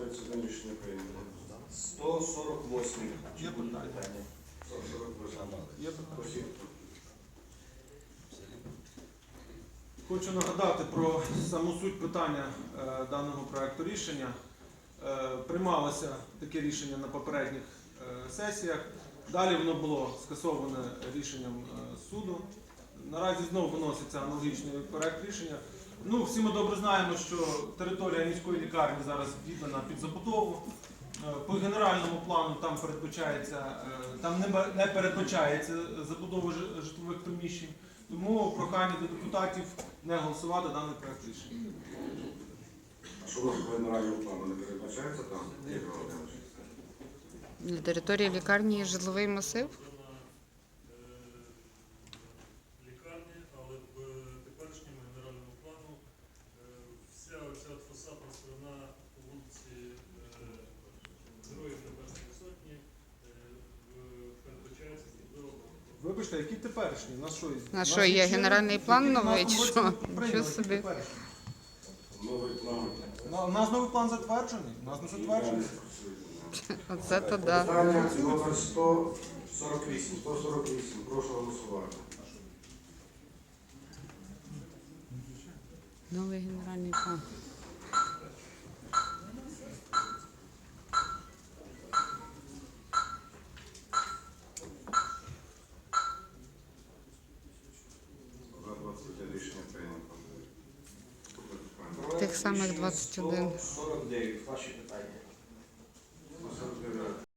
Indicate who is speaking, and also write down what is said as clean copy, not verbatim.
Speaker 1: 21 рішення прийнято.
Speaker 2: 148.
Speaker 3: Є питання?
Speaker 1: 148.
Speaker 3: Є питання?
Speaker 1: Просіть.
Speaker 3: Хочу нагадати про саму суть питання даного проекту рішення. Приймалося таке рішення на попередніх сесіях. Далі воно було скасоване рішенням суду. Наразі знову виноситься аналогічний проект рішення. Ну, всі ми добре знаємо, що територія міської лікарні зараз віддана під забудову. По генеральному плану там не передбачається забудова житлових приміщень. Тому прохання до депутатів не голосувати даний проект рішення.
Speaker 1: А що у нас по генеральному плану не передбачається там? Ігор Володимирович?
Speaker 4: На території лікарні є житловий масив.
Speaker 5: Лікарні, але в теперішньому генеральному плану вся оця фасадна сторона по вулиці Героїв Небесної Сотні передбачається зробила.
Speaker 3: Вибачте, які теперішні? У нас що,
Speaker 4: На що, є генеральний план новий, чи що?
Speaker 3: Нічого
Speaker 4: Нічого собі.
Speaker 1: Новий план.
Speaker 3: У нас новий план затверджений? У нас не затверджений.
Speaker 4: Оце то да.
Speaker 1: Питання номер 148. 148. Прошу голосувати.
Speaker 4: Новий генеральний план.
Speaker 1: За 21 рішення прийнято.
Speaker 4: Тих самих 21.
Speaker 2: 149. Ваші питання.